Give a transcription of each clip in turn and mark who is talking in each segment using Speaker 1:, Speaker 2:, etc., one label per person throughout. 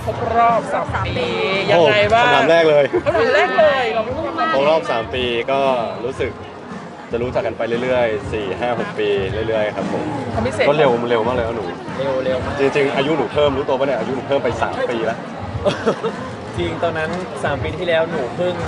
Speaker 1: ครบรอบ3 ปียังไงบ้าง
Speaker 2: คำถามแรกเลย
Speaker 1: คำถามแรกเลยเราไม่พูดกัน
Speaker 2: ครบรอบ3 ปีก็รู้สึกจะรู้จักกันไปเรื่อยๆ4 5 6 ปีเรื่อยๆครับผม
Speaker 1: ความพิเศษ
Speaker 2: ก็เร็วมากเลยนะหนู
Speaker 3: เร็วมาก
Speaker 2: จริงๆอายุหนูเพิ่มรู้ตัวปะเนี่ยอายุหนูเพิ่มไป3 ปีแล้ว
Speaker 3: จริงตอนนั้น3 ปีที่แล้วหนูเพิ่ง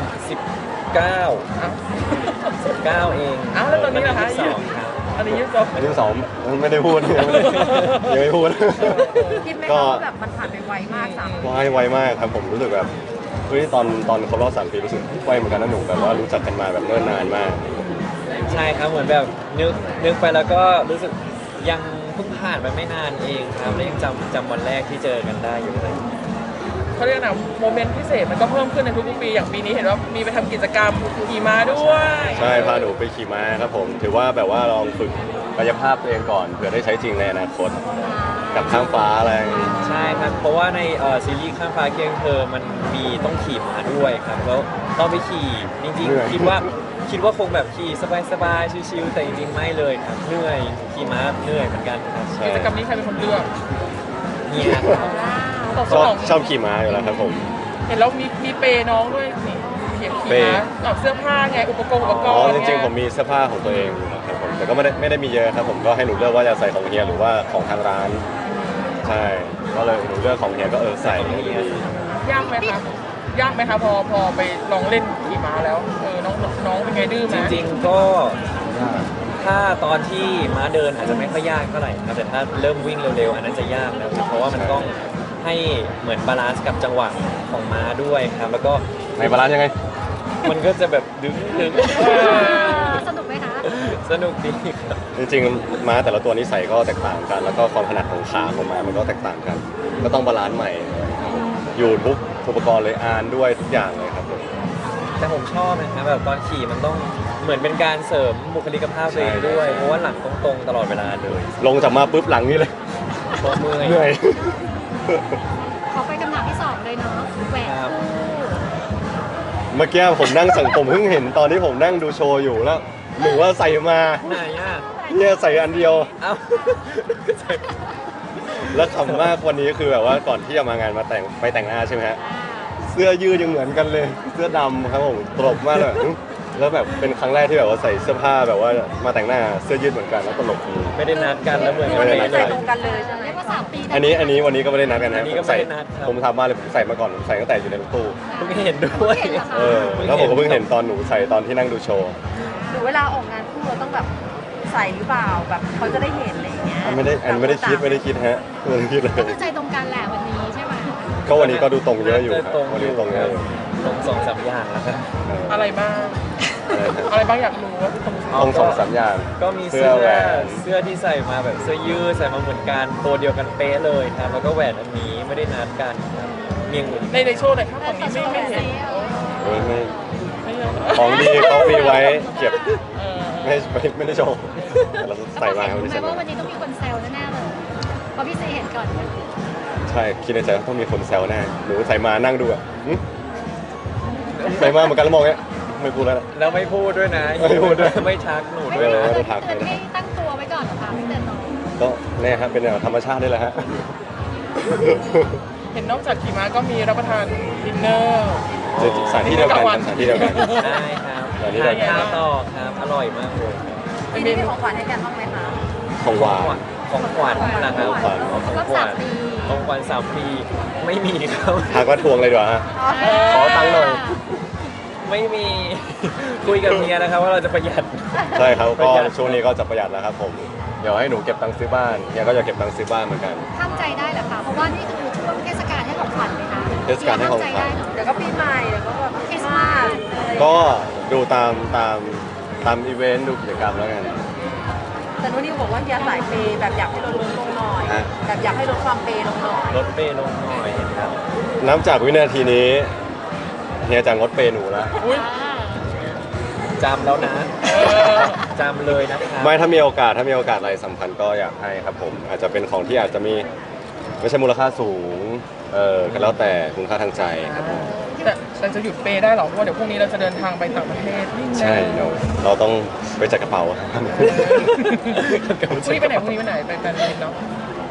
Speaker 3: 19
Speaker 1: อ้าว
Speaker 3: 19เอง
Speaker 1: อ้าวแล้วตอนนี้ล่ะคะ
Speaker 3: 22ครับ
Speaker 1: อันนี้ยี่สิบสอง
Speaker 2: อายุ2ไม่ได้พูดยังไม่พูด
Speaker 4: คิดไหม
Speaker 2: ก็
Speaker 4: คะว่าแบบมันผ่านไปไวมาก3 ปี
Speaker 2: ไวมากครับผมรู้สึกแบบเฮ้ยตอนครบรอบ3 ปีรู้สึกไวเหมือนกันนะหนูแบบว่ารู้จักกันมาแบบเนิ่นนานมาก
Speaker 3: ใช่ครับเหมือนแบบนึกไปแล้วก็รู้สึกยังเพิ่งผ่านไปไม่นานเองครับแล้วยังจำวันแรกที่เจอกันได้อยู่เลย
Speaker 1: เขาเรียกนะโมเมนต์พิเศษมันก็เพิ่มขึ้นในทุกๆปีอย่างปีนี้เห็นว่ามีไปทำกิจกรรมขี่ม้าด้วย
Speaker 2: ใช่พาหนูไปขี่ม้าครับผมถือว่าแบบว่าลองฝึกกายภาพตัวเองก่อนเผื่อได้ใช้จริงในอนาคตกับข้างฟ้าอะไรอย่างงี้
Speaker 3: ใช่ครับเพราะว่าในซีรีส์ข้ามฟ้าเคียงเธอมันมีต้องขี่ม้าด้วยครับแล้วต้องไปขี่จริงๆคิดว่าคงแบบขี่สบายๆชิวๆแต่จริงๆไม่เลยครับเหนื่อยขี่ม้าเหนื่อยเหมือนกันครับ
Speaker 2: ใช่
Speaker 1: กิจกรรมนี้ใครเป็นคนเลือก
Speaker 3: เนี่ยครับ
Speaker 1: ตอบส
Speaker 2: ชอบ
Speaker 1: นอง
Speaker 2: ชอบขี่ม้าอยู่แล้วครับผม
Speaker 1: เห็นแล้วมีเปย์น้องด้วยนี่เขียนขี่ม้าออกเสื้อผ้าไงอุปกรณ์
Speaker 2: อ๋อจริงๆผมมีเสื้อผ้าของตัวเองอยู่ครับผมแต่ก็ไม่ได้มีเยอะครับผมก็ให้หนูเลือกว่าจะใส่ของเฮียหรือว่าของทางร้าน ใช่ก็เลยหนูเลือกของเฮียก็ใส่ให้ดูดี
Speaker 1: ยากไหมครับยากไหมครับพอไปลองเล่นขี่ม้าแล้วน้องเป็นไงดื้อไหม
Speaker 3: จริงๆก็ถ้าตอนที่ม้าเดินอาจจะไม่ค่อยยากเท่าไหร่ครับแต่ถ้าเริ่มวิ่งเร็วๆอันนั้นจะยากนะเพราะว่ามันต้องให้เหมือนบาลานซ์กับจังหวะของม้าด้วยครับแล้วก็
Speaker 2: ในบาลานซ์ยังไง
Speaker 3: มันก็จะแบบดึง
Speaker 4: สนุกไหมคะ
Speaker 3: สนุกดีครับ
Speaker 2: จริงๆม้าแต่ละตัวนิสัยก็แตกต่างกัน แล้วก็ความถนัดของขาของม้ามันก็แตกต่างกัน ก็ต้องบาลานซ์ใหม่ครับผมอยู่ทุกอุปกรณ์เลยอานด้วยทุกอย่างเลยครับผม
Speaker 3: แต่ผมชอบนะครับแบบตอนขี่มันต้องเหมือนเป็นการเสริมบุคลิกภาพตัวเองด้วยเพราะว่าหลังตรงๆตลอดเวลาเลย
Speaker 2: ลงจากมาปุ๊บหลังนี่เลย
Speaker 3: เพราะเมื่อย
Speaker 2: เหนื่อย
Speaker 4: ขอไปคำถามที่2เลยเนาะแหวนคู่
Speaker 2: เมื่อกี้ผมนั่งสั่งผมเพิ่งเห็นตอนที่ผมนั่งดูโชว์อยู่แล้วหนูว่าใส่มา
Speaker 3: ไหนอ่ะ
Speaker 2: เนี่ยใส่อันเดียว
Speaker 3: เอ้า
Speaker 2: แล้วขำมากวันนี้คือแบบว่าก่อนที่จะมางานมาไปแต่งหน้าใช่ไหมฮะเสื้อยืดยังเหมือนกันเลย เสื้อดำครับผมตลกมากเลยแล้วแบบเป็นครั้งแรกที่แบบว่าใส่เสื้อผ้าแบบว่ามาแต่งหน้าเสื้อยืดเหมือนกันแล้วตลกดี
Speaker 3: ไม่ได้นัดกันแล้วเหมือน
Speaker 2: ไม่ได้นัดกั
Speaker 4: ใส่
Speaker 2: น
Speaker 4: ตรงกันเลยใช่ไหมเรียกว่า3 ปี
Speaker 2: อันนี้วันนี้ก็ไม่ได้นัดกันนะ
Speaker 3: อันนี้ก็
Speaker 2: ใส่
Speaker 3: ไม่ได้นัดครับ
Speaker 2: ผมทำมาเลยผมใส่มาก่อนผมใส่ตั้งแต่อยู่ในรถตู้
Speaker 3: เพิ่งเห็นด้วย
Speaker 2: แล้วผมก็เพิ่งเห็นตอนหนูใส่ตอนที่นั่งดูโชว์
Speaker 4: หรือเวลาออกงานคู่เราต้องแบบใส่หรือเปล่าแบบเขาจะได้เห็นอะไรอย่างเงี้ย
Speaker 2: ไม่ได้คิดฮะไม่ได้คิดเลย
Speaker 4: ก็คือใจตรงกันแหละวันนี้ใช่ไหม
Speaker 2: ก็วันนี้ก็ดูตรงเยอะอยู่ครับวันนี้ตรงเยอะอยู่
Speaker 3: ตรง2-3อย่างแล้วครับ
Speaker 1: อะไรบ้าง
Speaker 2: อะไรนะ
Speaker 1: อะไรบ้างอยากรู้ว่าตรง
Speaker 2: ตรง2-3อย่าง
Speaker 3: ก็มี
Speaker 2: เสื้
Speaker 3: เสื้
Speaker 2: อ
Speaker 3: อ
Speaker 2: แหวน
Speaker 3: เสื้อที่ใส่มาแบบเสื้อยืดใส่มาเหมือนกันตัวเดียวกันเป๊ะเลยครับแล้วก็แหวนอันนี้ไม่ได้นัดกันครับเมียงอื่น
Speaker 1: ในโชว์ไหนครับฝั่งนี้ไม่เห็น
Speaker 2: เฮ้ยไม่
Speaker 1: ไม่เห็น
Speaker 2: ของดีเขามีไว้เก็บ
Speaker 1: เออ
Speaker 2: ไม่ได้โชว์แต่เราใส่มาครับวันนี้
Speaker 4: แป
Speaker 2: ใส่
Speaker 4: ล
Speaker 2: มา
Speaker 4: ว่าวันนี้ต้องมีคนแซวแน่ๆเลยเพราะพี่ซีเห็นก่อน
Speaker 2: ใช่คิดในใจว่าต้องมีคนแซวแน่หนูใส่มานั่งดูอ่ะหึใส่มาเหมือนกันแล้วมองเงี้ยไม่พูดแล้วนะ
Speaker 3: แล้วไม่พูดด้วยนะ
Speaker 2: ไม่พูดด้วย
Speaker 3: ไม่ทักหนู
Speaker 4: ไม่
Speaker 3: ด้วย
Speaker 4: ได้
Speaker 3: นะ
Speaker 4: เตือนให้ตั้งตัวไว้ก่อนเหรอคะไม่เตือนน้อง
Speaker 2: ก็เนี่ยครับเป็นแนวธรรมชาตินี่แหละฮะ
Speaker 1: เห็นนอกจากขี่ม้าก็มีรับประทานดินเนอร์
Speaker 2: สถานที่เดียวกันครับสถานที่เดียวกัน
Speaker 3: ใช่ครับ
Speaker 2: อันนี้ได้
Speaker 3: ทานข้าวต่อครับอร่อยมากเลยครับ
Speaker 4: ปีนี้มีของขวัญให้กันบ้างไหมคะ
Speaker 2: ของหวาน
Speaker 3: ของขวัญนะครับ
Speaker 2: ของขวัญ
Speaker 3: ของขวัญของขวัญ3 ปีไม่มีครับ
Speaker 2: หากว่าทวงเลยดีกว่าฮะขอตังค์หน่อย
Speaker 3: ไม่มี คุยกับเมียนะครับว่าเราจะประหยัด
Speaker 2: ใช่ครับ
Speaker 3: ประ
Speaker 2: ก็
Speaker 3: หยัด
Speaker 2: ช่วงนี้ก็จะประหยัดแล้วครับผมเดี๋ยวให้หนูเก็บตังค์ซื้อบ้านเนี่ยก็จะเก็บตังค์ซื้อบ้านเหมือนกัน
Speaker 4: ทำใจได้เหรอคะเพราะว่านี่คือช่วงเทศกาลให้ของขวัญไหมคะ
Speaker 2: เทศกาลให้ของขวัญ
Speaker 4: ทำใจได้เหรอเดี๋ยวก็ปีใหม่เดี๋ยวก็แบบคริสต์มาส
Speaker 2: ก็ดูตามอีเวนต์ดูกิจกรรมแล้วกัน
Speaker 4: แต่นุ่นนิวบอกว่าเฮียสายเปย์แบบอยากให้ลดลงหน่อย
Speaker 2: ฮะ
Speaker 4: แบบอยากให้ลดความเปย์ลงหน่อย
Speaker 3: ลดเปย์ลงหน่อยครับ
Speaker 2: นับจากวินาทีนี้เฮียจะงดเปย์หนูแล้ว
Speaker 1: อุ้ย
Speaker 3: จำแล้วนะจำเลยนะครับ
Speaker 2: ไม่ถ้ามีโอกาสอะไรสำคัญก็อยากให้ครับผมอาจจะเป็นของที่อาจจะมีไม่ใช่มูลค่าสูงก็แล้วแต่คุณค่าทางใจครับผม
Speaker 1: แต่จะหยุดเปย์ได้หรอเพราะว่าเดี๋ยวพรุ่งนี้เราจะเดินทางไปต่างประเทศนี่นะ
Speaker 2: ใช่เราต้องไปจัดกระเป๋า
Speaker 1: พรุ่งนี้ไปไหนไปแฟนมิตเนาะ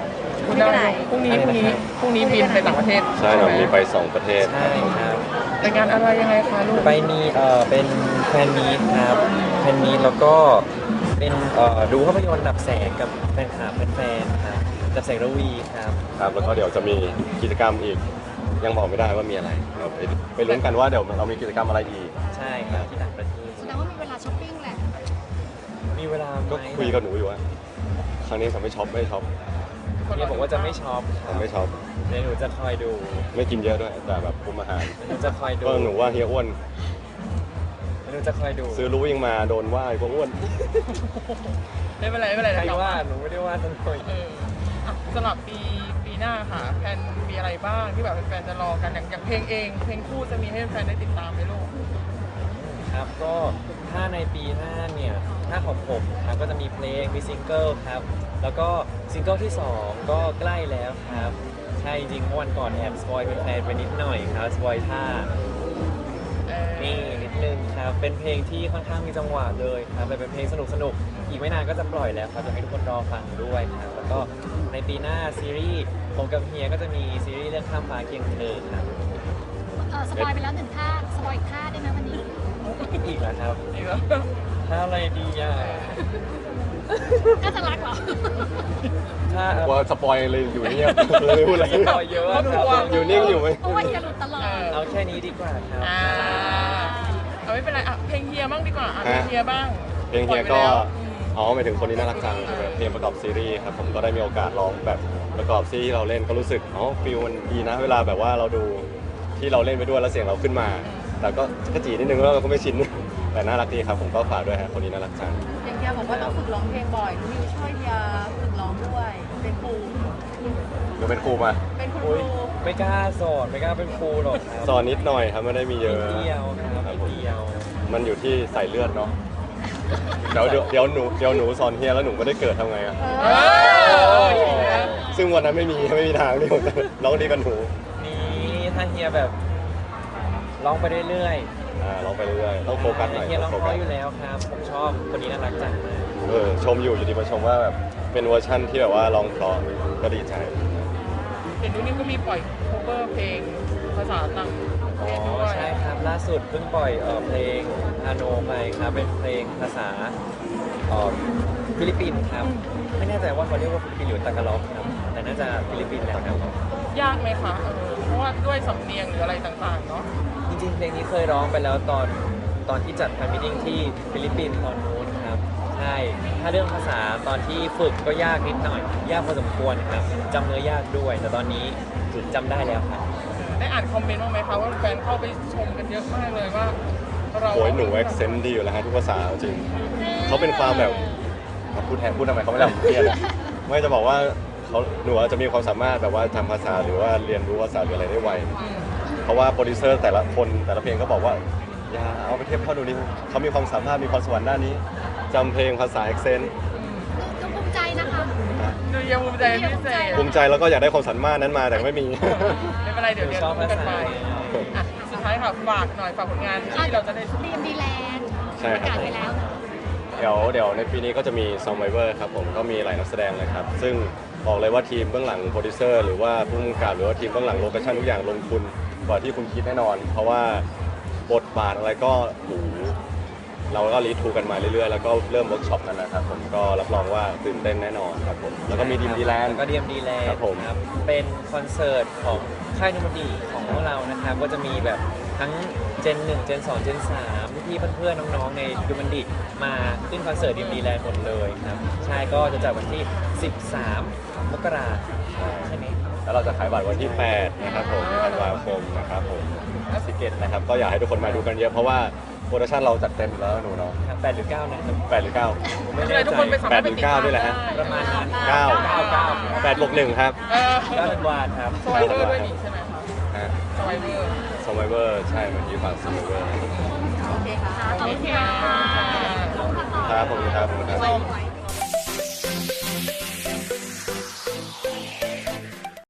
Speaker 1: คุณได้พรุ่งนี้บินไปต่างประเทศ
Speaker 2: ใช่เรามีไป2 ประเทศ
Speaker 3: ใช่ครับ
Speaker 1: แต่งานอะไรยังไงคะลูก
Speaker 3: ไปมีเป็นแฟนมีตครับแฟนมีตแล้วก็เป็นดูภาพยนตร์ดับแสงกับแฟนคลับแฟนๆครับดับแสงระวีครับ
Speaker 2: ครับแล้วก็เดี๋ยวจะมีกิจกรรมอีก ยังบอกไม่ได้ว่ามีอะไรเดี๋ยวไปลุ้นกันว่าเดี๋ยวเรามีกิจกรรมอะไรอีก
Speaker 3: ใช่ครับที่ต่างประเทศ
Speaker 5: แสดงว่ามีเวลาช้อปปิ้งแหละ
Speaker 3: มีเวลาไหม
Speaker 2: ก็คุยกับหนูอยู่ว่าครั้งนี้ผมไม่ช็อปไม่ช็อป
Speaker 3: เนี่ยบอกว่าจะไม่ช็อปค
Speaker 2: ผ
Speaker 3: รับ
Speaker 2: มไม่ช็อป
Speaker 3: เดี๋ยวหนูจะคอยดู
Speaker 2: ไม่กินเยอะด้วยแต่แบบคุมอาหาร
Speaker 3: หนูจะคอยดู
Speaker 2: ก็หนูว่าเฮียอ้วน
Speaker 3: หนูจะคอยดู
Speaker 2: ซื้อรู้ยังมาโดนว่าไอ้พวกอ้วน
Speaker 1: ไม่เป็นไรไม่เป็นไร
Speaker 3: ใคร
Speaker 1: เดี๋ยว
Speaker 3: ว่าหนูไม่ได้ว่าทั้งคน
Speaker 1: อ่ะสำหรับปีหน้าค่ะแฟนมีอะไรบ้างที่แบบแฟนๆจะรอกันอย่างเพลงเองเพลงคู่จะมีให้แฟนได้ติดตามไหมลูก
Speaker 3: ครับก็ถ้าในปีหน้าเนี่ยถ้าของผมครับก็จะมีเพลงมีซิงเกิลครับแล้วก็ซิงเกิลที่ 2 ก็ใกล้แล้วครับใช่จริงๆเมื่อวันก่อนแอบสปอยเป็นแฟนไปนิดหน่อยครับสปอยท่านี่นิดนึงครับเป็นเพลงที่ค่อนข้างมีจังหวะเลยครับแต่เป็นเพลงสนุกๆอีกไม่นานก็จะปล่อยแล้วครับอยากให้ทุกคนรอฟังด้วยครับแล้วก็ในปีหน้าซีรีส์ผมกับเฮียก็จะมีซีรีส์เรื่องข้ามฟ้าเคียงเธอครับ
Speaker 5: สปอยไปแล้วหนึ่งท่า สปอยอีกท่าได้ไหมวันนี้
Speaker 3: อีกแล้วครับ
Speaker 1: ดีแล้ว
Speaker 3: ท่าอะไรดีอ่ะ
Speaker 5: น่าจะรักเหรอ
Speaker 3: ท่า
Speaker 2: ว่าสปอยเลยอยู่เงียบเลยไม่พูดอะไร
Speaker 3: สปอยเยอะครับ
Speaker 2: อยู่นิ่งอยู่ไหม
Speaker 5: เพราะว่าเฮียหลุดตลอด
Speaker 3: เอาแค่นี้ดีกว่าครับ
Speaker 1: เอาไม่เป็นไรอ่ะเพลงเฮียบ้างดีกว่าอ่ะเพลงเฮียบ้าง
Speaker 2: เพลงเฮีย
Speaker 1: ปล่
Speaker 2: ก็
Speaker 1: อไปแล้ว
Speaker 2: อ๋อหมายถึงคนนี้น่ารักจังใช่ไหมเพลงประกอบซีรีส์ครับผมก็ได้มีโอกาสร้องแบบประกอบซีรีส์ที่เราเล่นก็รู้สึกอ๋อฟิลมันดีนะเวลาแบบว่าเราดูที่เราเล่นไปด้วยแล้วเสียงเราขึ้นมา แต่ก็กระจีนิดนึงแล้วเราก็ไม่ชิน แต่น่ารักดีครับผมก็ฝากด้วยฮะคนนี้น่ารักจัง
Speaker 4: อย่างเฮียบอกว่าต้องฝึกร้องเพลงบ่อยนิวช่วยเฮียฝึกร้องด้วยเป็นครู
Speaker 2: เดี๋ยวเป็นครูมา
Speaker 4: เป็นคุณค
Speaker 3: อุ๊ย
Speaker 4: รู
Speaker 3: ไม่กล้าสอนไม่กล้าเป็นครูหรอกครับ
Speaker 2: สอนนิดหน่อยครับไม่ได้มีเย
Speaker 3: นิ
Speaker 2: อะ
Speaker 3: ดเดียวครับ
Speaker 2: ครับ
Speaker 3: นิด
Speaker 2: ผม
Speaker 3: เดียว
Speaker 2: มันอยู่ที่ใส่เลือดเนาะเดี๋ยวหนูสอนเฮียแล้วหนูไม่ได้เกิดทำไงอะ
Speaker 1: เอออีกแล้ว
Speaker 2: ซึ่งวันนั้นไม่มีทางที่ผมจะร้องดีกับหนู
Speaker 3: นี่ถ้าเฮียแบบร้องไปเรื่อย
Speaker 2: ร้องไปเรื่อยๆต้องโฟกัสหน่อย
Speaker 3: เฮียร้อง
Speaker 2: โฟ
Speaker 3: เพ
Speaker 2: กั
Speaker 3: ราะ
Speaker 2: ส
Speaker 3: อยู่แล้วครับผมชอบคนนี้น่ารักจังมาก
Speaker 2: ชมอยู่ดีมาชมว่าแบบเป็นเวอร์ชั่นที่แบบว่าร้องเพราะก็ดีใจ
Speaker 1: เห็นดูนี่ก็มีปล่อย cover เพลงภาษาต่างประเทศด้วย
Speaker 3: ใช่ครับล่าสุดเพิ่งปล่อยเพลงฮาโนไปครับเป็นเพลงภาษาฟิลิปปินส์ครับไม่แน่ใจว่าเขาเรียกว่าฟิลิปปินส์หรือตากาล็อกครับแต่น่าจะฟิลิปปินส์แหละครับ
Speaker 1: ยากไหมคะเพราะว่าด้วยสำเนียงหรืออะไรต่างๆเนาะ
Speaker 3: จริงๆเพลงนี้เคยร้องไปแล้วตอนที่จัดแฟนมิทติ้งที่ฟิลิปปินส์ตอนนู้นครับใช่ถ้าเรื่องภาษาตอนที่ฝึกก็ยากนิดหน่อย ยากพอสมควรครับจำเนื้อยากด้วย แต่ตอนนี้จำได้แล้วครับ
Speaker 1: ได้อ่านคอมเมนต์บ้างไหมคะว่าแฟนเข้าไปชมกันเยอะมากเลยว่าเรา
Speaker 2: โอ้ยหนูเอ็กเซนต์ดีอยู่แล้วฮะทุกภาษาจริงเขาเป็นความแบบพูดแทนพูดทำไมเขาไม่ได้เรียนอะไม่จะบอกว่าหนูอาจจะมีความสามารถแบบว่าจำภาษาหรือว่าเรียนรู้ภาษาหรืออะไรได้ไว เพราะว่าโปรดิวเซอร์แต่ละคนแต่ละเพลงก็บอกว่าอย่าเอาไปเทียบเท่าดูนี่เขามีความสามารถมีความสวรรค์ด้านนี้จำเพลงภาษาเอ็กเซนต์
Speaker 5: ก็ภูมิใจนะคะ
Speaker 1: ดูยังภูมิใจเป็นพิเศษ
Speaker 2: ภูมิใจแล้วก็อยากได้ความสามารถนั้นมาแต่ไม่มี
Speaker 1: ไม่เป็นไรเดี๋ยวเรียน
Speaker 3: ชอบ
Speaker 1: รู้
Speaker 3: ภา
Speaker 1: กัน
Speaker 3: ษา
Speaker 1: ไปอ่ะสุดท้ายค่ะฝากหน่อยฝากผลงานที่เราจะได้
Speaker 5: เรียนดีแลนด์
Speaker 2: ใช่
Speaker 5: ประ
Speaker 2: ครับ
Speaker 5: กาศไปแล้ว
Speaker 2: เดี๋ยวในปีนี้ก็จะมี Survivor ครับผมก็มีหลายนักแสดงเลยครับ ซึ่งบอกเลยว่าทีมเบื้องหลังโปรดิวเซอร์หรือว่าผู้กำกับหรือว่าทีมเบื้องหลังโลเคชั่นทุกอย่างลงทุนกว่าที่คุณคิดแน่นอน เพราะว่าบทบาทอะไรก็โอ้โหเราก็รีทูกันมาเรื่อยๆ แล้วก็เริ่มเวิร์กช็อปกันนะครับผมก็รับรองว่าตื่นเต้นแน่นอนครับผมแล้วก็มีดีมดีแลนด์
Speaker 3: แล้วก็ดีมดีแลนด์
Speaker 2: ครับผม
Speaker 3: เป็นคอนเสิร์ตของค่ายนูมันดีของพวกเรานะครับก็จะมีแบบทั้งเจน1เจน2เจน3พี่เพื่อนๆน้องๆในดูมันดีมาขึ้นคอนเสิร์ตดีมดีแลนด์หมดเลยครับใช่ก็จะจัดวันที่ 13 มกราคมใช่ไหม
Speaker 2: แล้วเราจะขายบัตรวันที่ 8 นะครับผมธันวาคมนะครับผมสิเกตนะครับก็อยากให้ทุกคนมาดูกันเยอะเพราะว่าโปรดักชั่นเราจัดเต็มแล้วหนูเนาะ
Speaker 3: ครับ8หรือ9นะครับ
Speaker 2: 8หรือ9
Speaker 1: ไม่เป็นไรทุกคนไปสามารถไปติดตาม
Speaker 2: 8 หรือ9ด้วยแหละฮะ
Speaker 1: ได้
Speaker 3: ประมาณนั้น
Speaker 2: 9 8บวก1ครับ
Speaker 3: 9ธันวาครับ
Speaker 1: สไวเวอร์ด้วยนี่ใช่ไหมคะ
Speaker 2: ฮะ
Speaker 1: สไวเวอร์
Speaker 2: Survivor ใช่เมื่อกี้ฝาก Survivor
Speaker 4: โอเคค่ะ
Speaker 5: ขอบคุณค่ะ
Speaker 2: ครับผมครับผมครับ
Speaker 1: ส้ม